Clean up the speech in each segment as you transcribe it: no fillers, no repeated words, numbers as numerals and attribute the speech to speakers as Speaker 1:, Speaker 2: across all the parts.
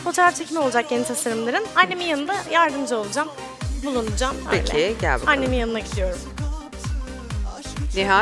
Speaker 1: fotoğraf çekimi olacak yeni tasarımların. Annemin yanında yardımcı olacağım. Bulunacağım. Öyle.
Speaker 2: Peki gel bakalım.
Speaker 1: Annemin yanına gidiyorum.
Speaker 2: Nihal.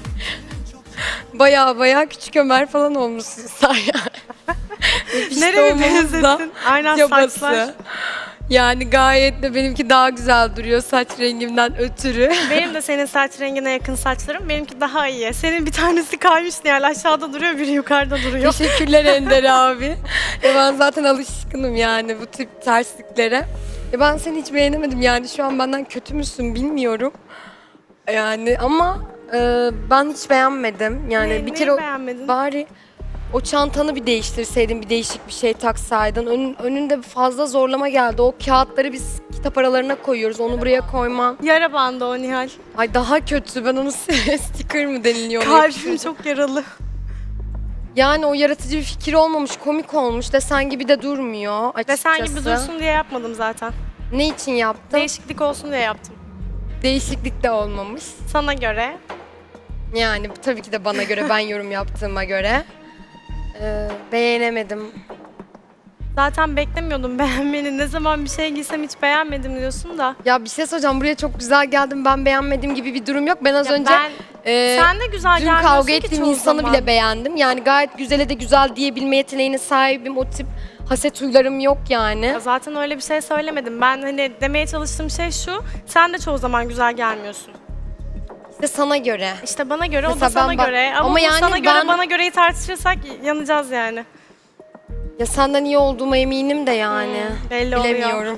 Speaker 3: Baya küçük Ömer falan olmuşsun sen
Speaker 1: Nereye benzettin? Aynen saçlar.
Speaker 3: Yani gayet de benimki daha güzel duruyor saç rengimden ötürü.
Speaker 1: Benim de senin saç rengine yakın saçlarım. Benimki daha iyi. Senin bir tanesi kaymış Nihal. Aşağıda duruyor, biri yukarıda duruyor.
Speaker 3: Teşekkürler Ender abi. Ben zaten alışkınım yani bu tip tersliklere. Ben seni hiç beğenemedim yani şu an benden kötü müsün bilmiyorum. Yani ama ben hiç beğenmedim. Yani bir
Speaker 1: Neyi
Speaker 3: kere
Speaker 1: beğenmedin?
Speaker 3: bari o çantanı bir değiştirseydin, bir değişik bir şey taksaydın. Önünde fazla zorlama geldi. O kağıtları biz kitap aralarına koyuyoruz. Onu buraya koyman.
Speaker 1: Yara bandı o Nihal.
Speaker 3: Ay daha kötü. Ben onu sticker mı deniliyor?
Speaker 1: Kalbim çok yaralı.
Speaker 3: Yani o yaratıcı bir fikir olmamış, komik olmuş. Desen gibi de durmuyor açıkçası.
Speaker 1: Desen gibi dursun diye yapmadım zaten.
Speaker 3: Ne için yaptın?
Speaker 1: Değişiklik olsun diye yaptım.
Speaker 3: Değişiklik de olmamış.
Speaker 1: Sana göre.
Speaker 3: Yani tabii ki de bana göre, ben yorum yaptığıma göre. Beğenemedim.
Speaker 1: Zaten beklemiyordum beğenmeni. Ne zaman bir şey giysem hiç beğenmedim diyorsun da.
Speaker 3: Ya bir şey soracağım. Buraya çok güzel geldim. Ben beğenmediğim gibi bir durum yok. Ben az önce
Speaker 1: Sen de güzel
Speaker 3: dün
Speaker 1: gelmiyorsun
Speaker 3: kavga
Speaker 1: ki
Speaker 3: ettiğim
Speaker 1: çoğu
Speaker 3: insanı
Speaker 1: zaman.
Speaker 3: bile beğendim. Yani gayet güzele de güzel diyebilme yeteneğine sahibim. O tip haset huylarım yok yani.
Speaker 1: Ya zaten öyle bir şey söylemedim. Ben hani demeye çalıştığım şey şu. Sen de çoğu zaman güzel gelmiyorsun.
Speaker 3: İşte sana göre.
Speaker 1: İşte bana göre, o da
Speaker 3: Mesela
Speaker 1: sana
Speaker 3: ben bak-
Speaker 1: göre. Ama
Speaker 3: ama
Speaker 1: bu
Speaker 3: yani
Speaker 1: sana göre,
Speaker 3: ben-
Speaker 1: bana göreyi tartışırsak yanacağız yani.
Speaker 3: Ya senden iyi olduğuma eminim de yani.
Speaker 1: Belli oluyor.
Speaker 3: Bilemiyorum.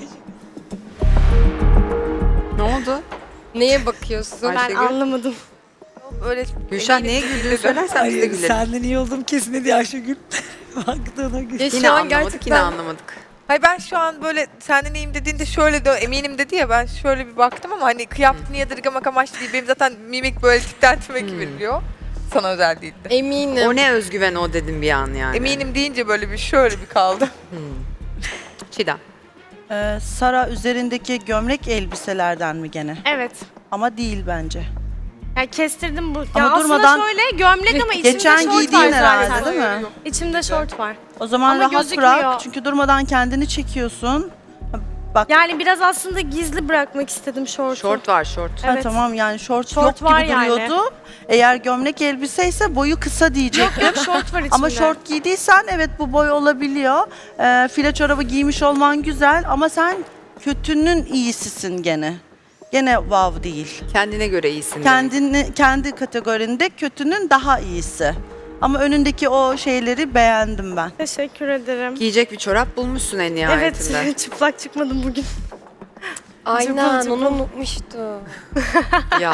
Speaker 2: Ne oldu?
Speaker 3: Neye bakıyorsun?
Speaker 1: Ben
Speaker 2: Ayşegül.
Speaker 1: anlamadım.
Speaker 4: Öyle
Speaker 2: Gülşah neye güldüğünü söylersen biz de
Speaker 5: Hayır,
Speaker 2: gülelim.
Speaker 5: senden iyi olduğum kesin dedi Ayşegül. Baktığına gül.
Speaker 3: Ya
Speaker 2: Yine
Speaker 3: şu an
Speaker 2: anlamadık,
Speaker 3: gerçekten
Speaker 2: yine anlamadık.
Speaker 4: Hayır ben şu an böyle senden iyiyim dediğinde şöyle de eminim dedi ya, ben şöyle bir baktım ama hani kıyafetini yadırgamak amaçlı değil. Benim zaten mimik böyle tipten tipe veriliyor. Sana özel değildi.
Speaker 3: eminim.
Speaker 2: O ne özgüven o dedim bir an yani.
Speaker 4: Eminim deyince böyle bir şöyle bir kaldım.
Speaker 2: Çiğdem.
Speaker 6: Sara üzerindeki gömlek elbiselerden mi gene?
Speaker 1: Evet.
Speaker 6: Ama değil bence.
Speaker 1: Yani kestirdim bu.
Speaker 6: Ama
Speaker 1: ya aslında
Speaker 6: durmadan-
Speaker 1: şöyle gömlek ama içimde
Speaker 6: Geçen
Speaker 1: şort var
Speaker 6: giydiğin herhalde
Speaker 1: zaten.
Speaker 6: değil mi?
Speaker 1: İçimde şort var.
Speaker 6: O zaman
Speaker 1: Ama
Speaker 6: rahat
Speaker 1: gözükmüyor.
Speaker 6: bırak çünkü durmadan kendini çekiyorsun. Bak
Speaker 1: Yani biraz aslında gizli bırakmak istedim şortu.
Speaker 2: Şort var şort.
Speaker 6: ha,
Speaker 1: evet.
Speaker 6: tamam yani şort
Speaker 1: Şort
Speaker 6: yok
Speaker 1: var
Speaker 6: gibi
Speaker 1: yani.
Speaker 6: duruyordu. Eğer gömlek elbiseyse boyu kısa diyecektim.
Speaker 1: Yok şort var içimde.
Speaker 6: Ama şort giydiysen evet bu boy olabiliyor. File çorabı giymiş olman güzel ama sen kötünün iyisisin gene. Gene wow değil.
Speaker 2: Kendine göre iyisin.
Speaker 6: Kendi kategorinde kötünün daha iyisi. Ama önündeki o şeyleri beğendim ben.
Speaker 1: Teşekkür ederim.
Speaker 2: Giyecek bir çorap bulmuşsun en nihayetinde.
Speaker 1: Evet çıplak çıkmadım bugün.
Speaker 3: Aynen
Speaker 1: Cıbıl
Speaker 3: onu unutmuştum.
Speaker 2: Ya.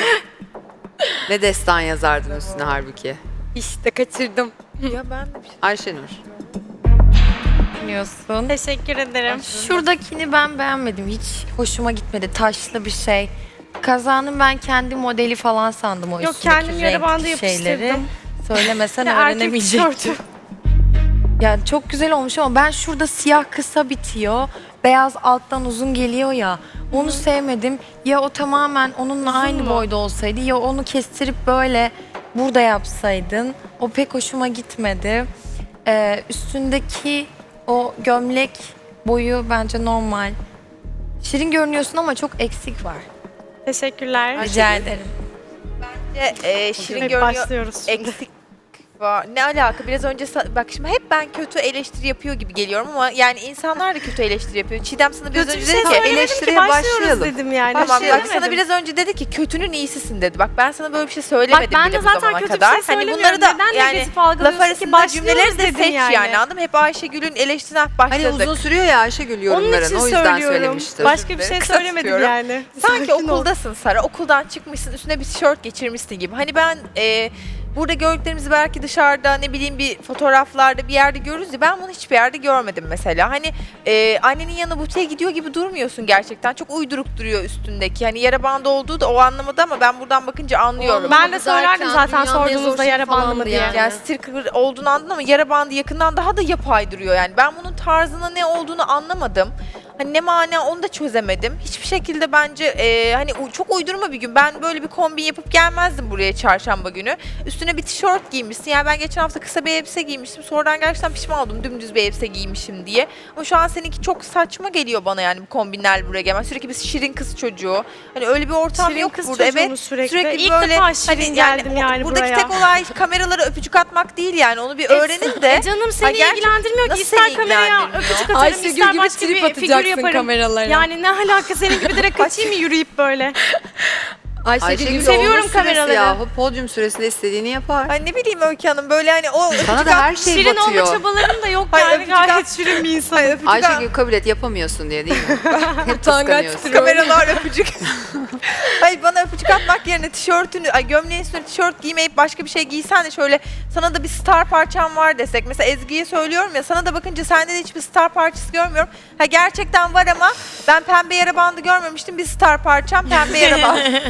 Speaker 2: Ne destan yazardın üstüne halbuki.
Speaker 3: İşte kaçırdım.
Speaker 4: Ya ben de bir şey...
Speaker 2: Ayşenur.
Speaker 7: Düşünüyorsun.
Speaker 1: Teşekkür ederim.
Speaker 7: Şuradakini ben beğenmedim. Hiç hoşuma gitmedi. Taşlı bir şey. Kazanın ben kendi modeli falan sandım o
Speaker 1: Yok
Speaker 7: üstündeki
Speaker 1: kendim yara bandı
Speaker 7: renkli şeyleri.
Speaker 1: yapıştırdım.
Speaker 7: Söylemesen
Speaker 1: Erkek
Speaker 7: öğrenemeyecektim.
Speaker 1: tişörtü.
Speaker 7: Yani çok güzel olmuş ama ben şurada siyah kısa bitiyor. Beyaz alttan uzun geliyor ya. Onu sevmedim. Ya o tamamen onunla aynı
Speaker 1: mu?
Speaker 7: boyda olsaydı ya onu kestirip böyle burada yapsaydın. O pek hoşuma gitmedi. Üstündeki o gömlek boyu bence normal. Şirin görünüyorsun ama çok eksik var.
Speaker 1: Teşekkürler.
Speaker 7: Rica ederim.
Speaker 4: Şirin
Speaker 1: Evet,
Speaker 4: görünüyor.
Speaker 1: başlıyoruz şimdi.
Speaker 4: Eksik var. Ne alaka? Biraz önce bak şimdi hep ben kötü eleştiri yapıyor gibi geliyorum ama yani insanlar da kötü eleştiri yapıyor. Çiğdem sana biraz
Speaker 1: Kötü bir
Speaker 4: önce
Speaker 1: şey
Speaker 4: dedi ki
Speaker 1: söylemedim ki
Speaker 2: eleştiriye
Speaker 1: başlıyoruz
Speaker 2: başlayalım.
Speaker 1: dedim yani.
Speaker 4: tamam bak
Speaker 1: Söylemedim.
Speaker 4: sana biraz önce dedi ki kötünün iyisisin dedi. Bak ben sana böyle bir şey söylemedim
Speaker 1: Bak ben
Speaker 4: bile
Speaker 1: de
Speaker 4: bu
Speaker 1: zaten
Speaker 4: zamana
Speaker 1: kötü bir
Speaker 4: kadar.
Speaker 1: şey
Speaker 4: Hani
Speaker 1: söylemiyorum.
Speaker 4: bunları da
Speaker 1: Neden
Speaker 4: yani
Speaker 1: negatif
Speaker 4: laf
Speaker 1: algılıyorsun ki?
Speaker 4: arasında
Speaker 1: Başlıyoruz
Speaker 4: cümleleri de
Speaker 1: dedin
Speaker 4: seç
Speaker 1: yani.
Speaker 4: yani anladın mı? Hep Ayşegül'ün eleştirisinden
Speaker 2: Hani
Speaker 4: başladık.
Speaker 2: uzun sürüyor ya Ayşegül
Speaker 1: Onun
Speaker 2: yorumların.
Speaker 1: için
Speaker 2: O yüzden
Speaker 1: söylüyorum.
Speaker 2: söylemiştim.
Speaker 1: Başka bir şey
Speaker 4: Kısa
Speaker 1: söylemedim
Speaker 4: tutuyorum.
Speaker 1: yani.
Speaker 4: Sanki
Speaker 1: Sakin ol.
Speaker 4: okuldasın Sara. Okuldan çıkmışsın, üstüne bir tişört geçirmişsin gibi. Hani ben burada gördüklerimizi belki dışarıda ne bileyim bir fotoğraflarda bir yerde görürüz ya, ben bunu hiçbir yerde görmedim mesela. Hani annenin yanına butiğe gidiyor gibi durmuyorsun gerçekten. Çok uyduruk duruyor üstündeki. Hani yara bandı olduğu da o anlamada ama ben buradan bakınca anlıyorum.
Speaker 1: Ben de söylerdim zaten
Speaker 3: dünyanın en zor
Speaker 1: sorduğunuzda
Speaker 3: şeyi
Speaker 1: yara bandı mı
Speaker 3: falandı
Speaker 1: diye.
Speaker 3: yani.
Speaker 4: Yani sticker olduğunu anladın ama yara bandı yakından daha da yapay duruyor yani. Ben bunun tarzına ne olduğunu anlamadım. Hani ne mana onu da çözemedim. Hiçbir şekilde bence hani çok uydurma bir gün. Ben böyle bir kombin yapıp gelmezdim buraya çarşamba günü. Üstüne bir tişört giymişsin. Yani ben geçen hafta kısa bir elbise giymiştim. Sonradan gerçekten pişman oldum dümdüz bir elbise giymişim diye. Ama şu an seninki çok saçma geliyor bana yani bu kombinlerle buraya gelmen. Sürekli bir şirin kız çocuğu. Hani öyle bir ortam
Speaker 1: Şirin
Speaker 4: yok
Speaker 1: kız
Speaker 4: burada.
Speaker 1: çocuğu
Speaker 4: Evet.
Speaker 1: mu sürekli?
Speaker 4: Sürekli
Speaker 1: İlk
Speaker 4: böyle
Speaker 1: defa şirin geldim yani
Speaker 4: buradaki
Speaker 1: buraya.
Speaker 4: tek olay kameralara öpücük atmak değil yani. Onu bir öğrenin de.
Speaker 1: Canım seni
Speaker 4: gerçekten
Speaker 1: ilgilendirmiyor ki.
Speaker 4: nasıl
Speaker 1: İster
Speaker 4: seni
Speaker 1: kameraya
Speaker 4: ilgilendirmiyor?
Speaker 1: öpücük atarım,
Speaker 3: Ayşegül
Speaker 1: ister
Speaker 3: gibi
Speaker 1: başka
Speaker 3: trip
Speaker 1: bir figür
Speaker 3: atacaksın
Speaker 1: yaparım.
Speaker 3: kameralara.
Speaker 1: Yani ne alaka senin gibi direkt kaçayım mı yürüyüp böyle?
Speaker 2: Ayşegül
Speaker 1: seviyorum
Speaker 2: olmuş süresi
Speaker 1: kameraları.
Speaker 2: yahu. Podyum süresinde istediğini yapar.
Speaker 4: Ay ne bileyim Öykü Hanım böyle hani o
Speaker 2: Sana da her şey
Speaker 1: Şirin olma
Speaker 2: batıyor.
Speaker 1: çabalarım da yok
Speaker 4: Hayır,
Speaker 1: yani
Speaker 4: öpücük
Speaker 1: gayet
Speaker 4: at-
Speaker 1: şirin bir insanım.
Speaker 4: Ay, öpücük
Speaker 2: Ayşegül kabul et yapamıyorsun diye değil mi? Hep
Speaker 3: Utangaç
Speaker 2: kıskanıyorsun.
Speaker 4: kameralar öpücük. Hayır bana öpücük atmak yerine tişörtünü, gömleğin üstüne tişört giymeyip başka bir şey giysen de şöyle sana da bir star parçam var desek. Mesela Ezgi'ye söylüyorum ya sana da bakınca sende de hiçbir star parçası görmüyorum. Ha gerçekten var ama ben pembe yara bandı görmemiştim. Bir star parçam pembe yara bandı.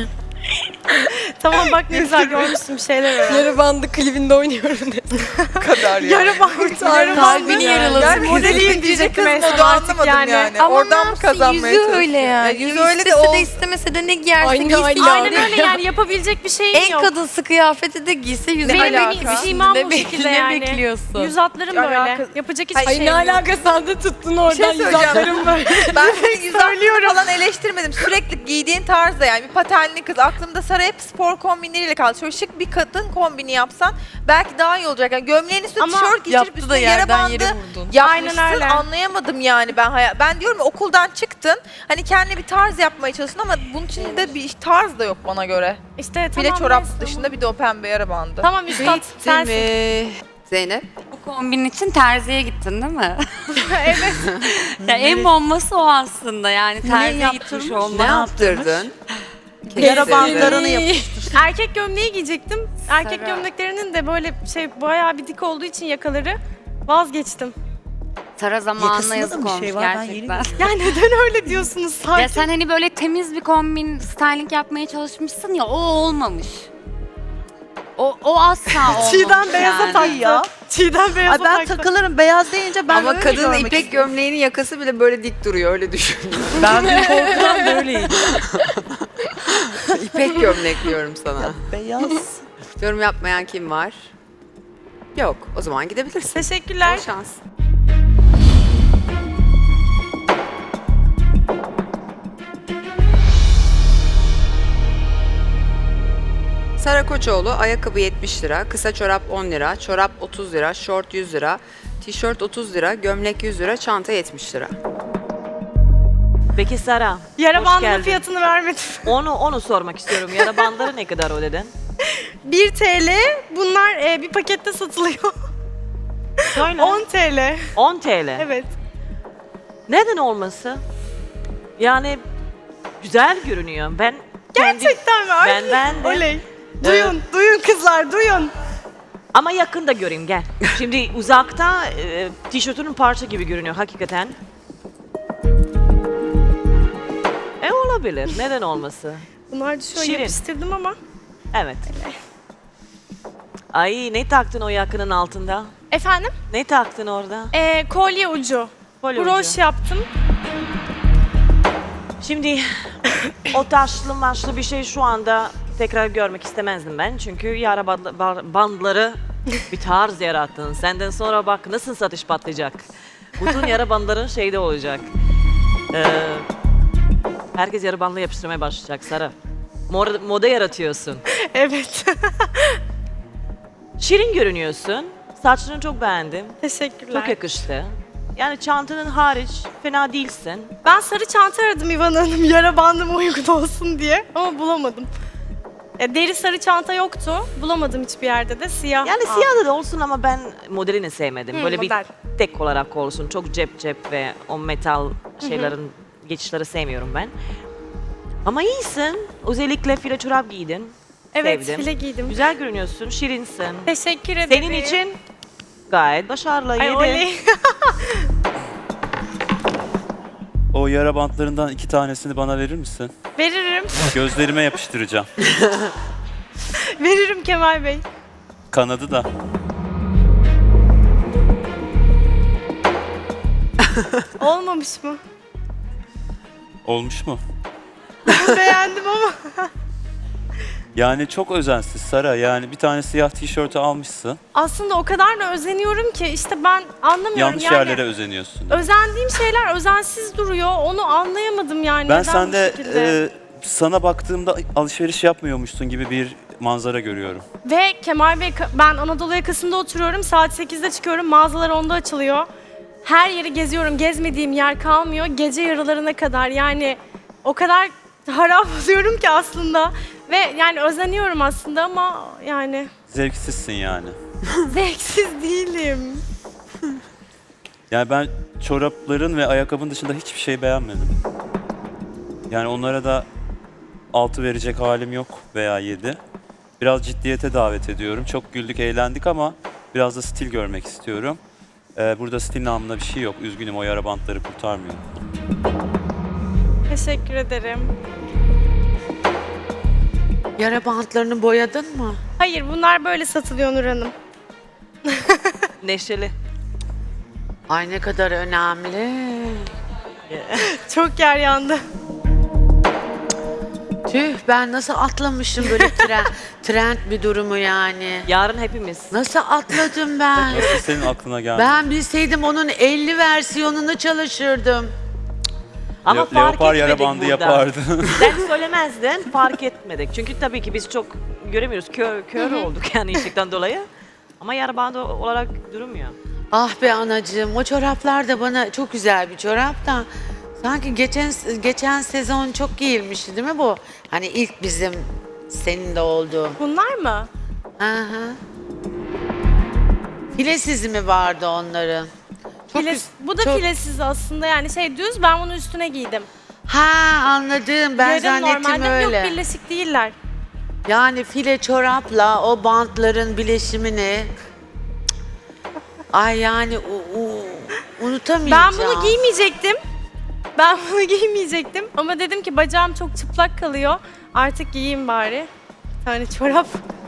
Speaker 1: Tamam bak ne güzel görmüşsün bir şeyler öyle.
Speaker 3: Yarı bandı klibinde oynuyorum dedim.
Speaker 4: kadar ya.
Speaker 1: Yarı bandı, yarı
Speaker 3: Kalbini
Speaker 1: bandı.
Speaker 3: yaralasın.
Speaker 1: Yani modeliyim diyecektim en son
Speaker 4: modu
Speaker 1: artık
Speaker 4: anlamadım yani.
Speaker 7: Ama
Speaker 4: Oradan
Speaker 7: ne
Speaker 4: mı
Speaker 7: yapsın,
Speaker 4: kazanmaya
Speaker 7: yüzü
Speaker 4: çalışıyor?
Speaker 7: öyle yani.
Speaker 4: Yüzü öyle de
Speaker 7: İstese
Speaker 4: o.
Speaker 7: de istemese de ne giyerse
Speaker 3: Aynı
Speaker 7: giysin.
Speaker 3: aile.
Speaker 1: Aynen öyle yani yapabilecek bir şeyim
Speaker 7: En
Speaker 1: yok.
Speaker 7: kadınsı kıyafeti de giyse yüzü
Speaker 4: Ne
Speaker 7: öyle.
Speaker 4: alaka?
Speaker 1: Simam bu şekilde
Speaker 7: Ne
Speaker 1: yani.
Speaker 7: bekliyorsun?
Speaker 1: Yüz hatlarım
Speaker 4: Ay,
Speaker 1: böyle.
Speaker 4: alakası-
Speaker 1: Yapacak
Speaker 4: Ay,
Speaker 1: hiçbir
Speaker 3: Ay
Speaker 1: şeyim
Speaker 3: ne
Speaker 1: yok.
Speaker 3: alaka sen de tuttun oradan
Speaker 4: söyleyeceğim.
Speaker 3: yüzaklarım böyle.
Speaker 4: Ben senin yüz hattını falan eleştirmedim. Sürekli giydiğin tarzda yani bir patenli kız. Aklımda Sara hep spor kombinleriyle kaldı. Şöyle şık bir kadın kombini yapsan belki daha iyi olacak. Yani gömleğin üstüne
Speaker 1: Ama
Speaker 4: tişört geçirip
Speaker 7: Yaptı da
Speaker 4: üstüne yara
Speaker 7: yerden
Speaker 4: bandı
Speaker 7: yere vurdun.
Speaker 1: Aynen
Speaker 4: yapmışsın.
Speaker 1: öyle.
Speaker 4: Anlayamadım yani ben. Ben diyorum ya okuldan çıktın. Hani kendine bir tarz yapmaya çalıştın ama bunun içinde bir tarz da yok bana göre.
Speaker 1: İşte
Speaker 4: Bile
Speaker 1: tamam
Speaker 4: çorap
Speaker 1: neyse.
Speaker 4: dışında bir de o pembe yara bandı.
Speaker 1: Tamam üstad sensin.
Speaker 2: Değil mi? Zeynep?
Speaker 8: Bu kombinin için terziye gittin değil mi?
Speaker 1: Evet.
Speaker 8: Ya en bombası o aslında yani terziye
Speaker 6: yaptırmış?
Speaker 8: gitmiş
Speaker 2: Ne
Speaker 8: olman.
Speaker 2: yaptırdın?
Speaker 6: Yara
Speaker 2: Kestirdin.
Speaker 6: bandlarını yapıştır.
Speaker 1: Erkek gömleği giyecektim. Erkek gömleklerinin de böyle bayağı bir dik olduğu için yakaları vazgeçtim.
Speaker 8: Sara zamanına
Speaker 5: Yakasında da
Speaker 8: yazık
Speaker 5: bir
Speaker 8: olmuş
Speaker 5: şey var, ben yeni
Speaker 8: gerçekten.
Speaker 1: Ya neden öyle diyorsunuz sadece?
Speaker 8: Ya sen hani böyle temiz bir kombin, styling yapmaya çalışmışsın ya o olmamış. O asla olmamış
Speaker 1: Çiğdem beyaza
Speaker 8: yani.
Speaker 1: taktı.
Speaker 6: ya.
Speaker 1: Çiğdem beyaza
Speaker 6: Ay ben
Speaker 1: taktı.
Speaker 6: takılırım beyaz deyince ben
Speaker 2: Ama
Speaker 6: öyle
Speaker 2: kadının
Speaker 6: görmek
Speaker 2: ipek
Speaker 6: istiyorum.
Speaker 2: gömleğinin yakası bile böyle dik duruyor öyle düşün.
Speaker 5: Ben bir korkudan böyleydim.
Speaker 2: İpek gömlek diyorum sana.
Speaker 6: Beyaz.
Speaker 2: Yorum yapmayan kim var? Yok. O zaman gidebilirsin.
Speaker 1: Teşekkürler.
Speaker 2: Bol şans. Sara Koçoğlu ayakkabı 70 lira, kısa çorap 10 lira, çorap 30 lira, şort 100 lira, tişört 30 lira, gömlek 100 lira, çanta 70 lira.
Speaker 9: Peki Sara,
Speaker 1: Yara
Speaker 9: hoş
Speaker 1: bandının
Speaker 9: geldin.
Speaker 1: fiyatını vermedim.
Speaker 9: Onu sormak istiyorum. Yara bandları ne kadar o dedin?
Speaker 1: 1 TL. Bunlar bir pakette satılıyor.
Speaker 9: Söyle.
Speaker 1: 10 TL.
Speaker 9: 10 TL.
Speaker 1: Evet.
Speaker 9: Neden olması? Yani güzel görünüyor. Ben
Speaker 1: Gerçekten mi? Ay,
Speaker 9: Ben beğendim.
Speaker 1: Oley. Duyun, duyun kızlar, duyun.
Speaker 9: Ama yakında göreyim gel. Şimdi uzakta tişörtünün parça gibi görünüyor hakikaten. Olabilir. Neden olması?
Speaker 1: Bunlar da şöyle
Speaker 9: Şirin.
Speaker 1: yapıştırdım ama.
Speaker 9: Evet. Ay ne taktın o yakının altında?
Speaker 1: Efendim?
Speaker 9: Ne taktın orada?
Speaker 1: Kolye ucu.
Speaker 9: Kolye
Speaker 1: Broş
Speaker 9: ucu.
Speaker 1: yaptım.
Speaker 9: Şimdi o taşlı maşlı bir şey şu anda tekrar görmek istemezdim ben. Çünkü yara bandları bir tarz yarattın. Senden sonra bak nasıl satış patlayacak. Bütün yara bandların şeyde olacak. Herkes yara bandla yapıştırmaya başlayacak Sara. Moda yaratıyorsun.
Speaker 1: Evet.
Speaker 9: Şirin görünüyorsun. Saçlarını çok beğendim.
Speaker 1: Teşekkürler.
Speaker 9: Çok yakıştı. Yani çantanın hariç fena değilsin.
Speaker 1: Ben sarı çanta aradım İvan Hanım yara bandıma uygun olsun diye ama bulamadım. Deri sarı çanta yoktu. Bulamadım hiçbir yerde de. Siyah.
Speaker 9: Yani
Speaker 1: aldım.
Speaker 9: siyah da olsun ama ben modelini sevmedim. Böyle
Speaker 1: model.
Speaker 9: bir tek olarak olsun. Çok cep ve o metal şeylerin geçişleri sevmiyorum ben. Ama iyisin. Özellikle file çorap giydin.
Speaker 1: Evet,
Speaker 9: Sevdim.
Speaker 1: file giydim.
Speaker 9: Güzel görünüyorsun, şirinsin.
Speaker 1: Teşekkür ederim.
Speaker 9: Senin için gayet başarılı.
Speaker 1: Ay
Speaker 9: yedi.
Speaker 1: oley.
Speaker 10: O yara bantlarından 2 tanesini bana verir misin?
Speaker 1: Veririm.
Speaker 10: Gözlerime yapıştıracağım.
Speaker 1: Veririm Kemal Bey.
Speaker 10: Kanadı da.
Speaker 1: Olmamış mı?
Speaker 10: Olmuş mu?
Speaker 1: Beğendim ama.
Speaker 10: Yani çok özensiz Sara. Yani bir tane siyah tişörtü almışsın.
Speaker 1: Aslında o kadar da özeniyorum ki işte ben anlamıyorum
Speaker 10: Yanlış
Speaker 1: yani.
Speaker 10: yerlere özeniyorsun.
Speaker 1: Özendiğim şeyler özensiz duruyor. Onu anlayamadım yani.
Speaker 10: Ben
Speaker 1: neden
Speaker 10: sende
Speaker 1: bu şekilde.
Speaker 10: sana baktığımda alışveriş yapmıyormuşsun gibi bir manzara görüyorum.
Speaker 1: Ve Kemal Bey, ben Anadolu yakasında oturuyorum. Saat 8'de çıkıyorum. Mağazalar 10'da açılıyor. Her yeri geziyorum. Gezmediğim yer kalmıyor. Gece yarılarına kadar. Yani o kadar harap oluyorum ki aslında. Ve yani özeniyorum aslında ama yani
Speaker 10: Zevksizsin yani.
Speaker 1: zevksiz değilim.
Speaker 10: Yani ben çorapların ve ayakkabının dışında hiçbir şey beğenmedim. Yani onlara da 6 verecek halim yok veya 7. Biraz ciddiyete davet ediyorum. Çok güldük, eğlendik ama biraz da stil görmek istiyorum. Burada stil namına bir şey yok. Üzgünüm, o yara bantları kurtarmıyor.
Speaker 1: Teşekkür ederim.
Speaker 11: Yara bantlarını boyadın mı?
Speaker 1: Hayır, bunlar böyle satılıyor Nur Hanım.
Speaker 9: Neşeli.
Speaker 11: Ay ne kadar önemli.
Speaker 1: Çok yer yandı.
Speaker 11: Tüh ben nasıl atlamışım böyle trend bir durumu yani.
Speaker 9: Yarın hepimiz.
Speaker 11: Nasıl atladım ben?
Speaker 10: Nasıl senin aklına geldi?
Speaker 11: Ben bilseydim onun 50 versiyonunu çalışırdım.
Speaker 9: Ama fark
Speaker 10: Leopar yara
Speaker 9: etmedik
Speaker 10: bandı
Speaker 9: burada.
Speaker 10: yapardı.
Speaker 9: Sen söylemezdin, fark etmedik. Çünkü tabii ki biz çok göremiyoruz. Kör olduk yani ışıktan dolayı. Ama yara bandı olarak durmuyor.
Speaker 11: Ah be anacığım o çoraplar da bana çok güzel bir çorap da. Sanki geçen sezon çok giyilmişti değil mi bu? Hani ilk bizim senin de olduğu.
Speaker 1: Bunlar mı?
Speaker 11: Aha. Filesiz mi vardı onların? Çok
Speaker 1: Bu da
Speaker 11: çok-
Speaker 1: filesiz aslında yani şey düz, ben bunu üstüne giydim.
Speaker 11: Ha anladım ben
Speaker 1: Yarım
Speaker 11: zannettim
Speaker 1: normalde
Speaker 11: öyle.
Speaker 1: yok, birleşik değiller.
Speaker 11: Yani file çorapla o bantların bileşimini ay yani unutamayacağım.
Speaker 1: Ben bunu giymeyecektim. Ama dedim ki bacağım çok çıplak kalıyor. Artık giyeyim bari. Bir tane çorap.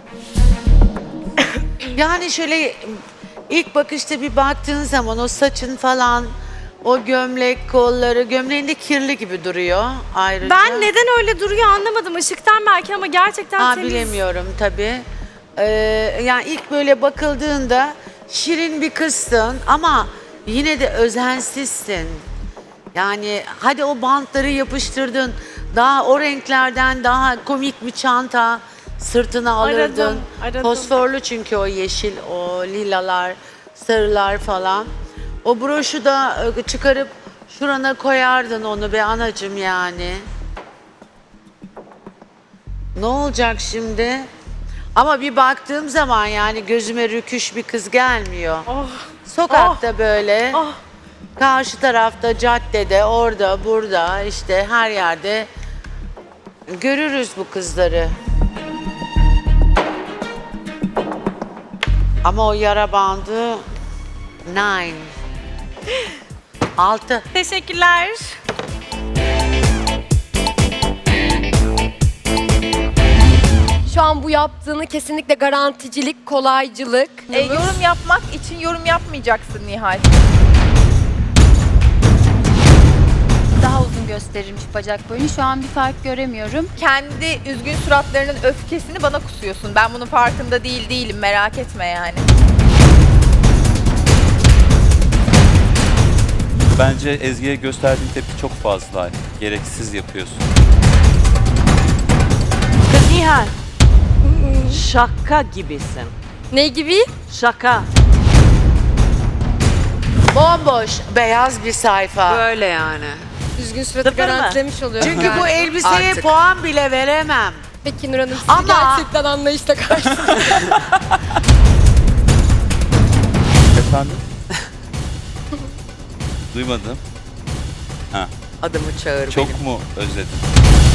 Speaker 11: Yani şöyle ilk bakışta bir baktığın zaman o saçın falan o gömlek kolları gömleğinde kirli gibi duruyor ayrıca.
Speaker 1: Ben neden öyle duruyor anlamadım. Işıktan belki ama gerçekten temiz.
Speaker 11: Bilemiyorum tabii. Yani ilk böyle bakıldığında şirin bir kızsın ama yine de özensizsin. Yani hadi o bantları yapıştırdın. Daha o renklerden daha komik bir çanta sırtına alırdın.
Speaker 1: Aradım.
Speaker 11: Fosforlu çünkü o yeşil, o lilalar, sarılar falan. O broşu da çıkarıp şurana koyardın onu be anacığım yani. Ne olacak şimdi? Ama bir baktığım zaman yani gözüme rüküş bir kız gelmiyor.
Speaker 1: Oh,
Speaker 11: Sokakta böyle,
Speaker 1: oh.
Speaker 11: karşı tarafta, caddede, orada, burada işte her yerde görürüz bu kızları. Ama o yara bandı 6.
Speaker 1: Teşekkürler.
Speaker 3: Şu an bu yaptığını kesinlikle garanticilik, kolaycılık.
Speaker 4: Yorum yapmak için yorum yapmayacaksın Nihal.
Speaker 8: Daha uzun gösterilmiş bacak boyunu. Şu an bir fark göremiyorum.
Speaker 4: Kendi üzgün suratlarının öfkesini bana kusuyorsun. Ben bunun farkında değilim, merak etme yani.
Speaker 10: Bence Ezgi'ye gösterdiğin tepki çok fazla. Gereksiz yapıyorsun.
Speaker 9: Kız Nihal. Şaka gibisin.
Speaker 3: Ne gibi?
Speaker 9: Şaka.
Speaker 11: Bomboş, beyaz bir sayfa.
Speaker 2: Böyle yani.
Speaker 3: Düzgün suratı
Speaker 9: Sıfır mı?
Speaker 3: garantilemiş oluyor.
Speaker 11: Çünkü bu elbiseye
Speaker 2: Artık.
Speaker 11: puan bile veremem.
Speaker 3: Peki Nur Hanım sizi
Speaker 11: Ama-
Speaker 3: gerçekten anlayışla karşıladım.
Speaker 10: Efendim? Duymadım.
Speaker 2: Adımı çağır benim.
Speaker 10: Çok mu özledin?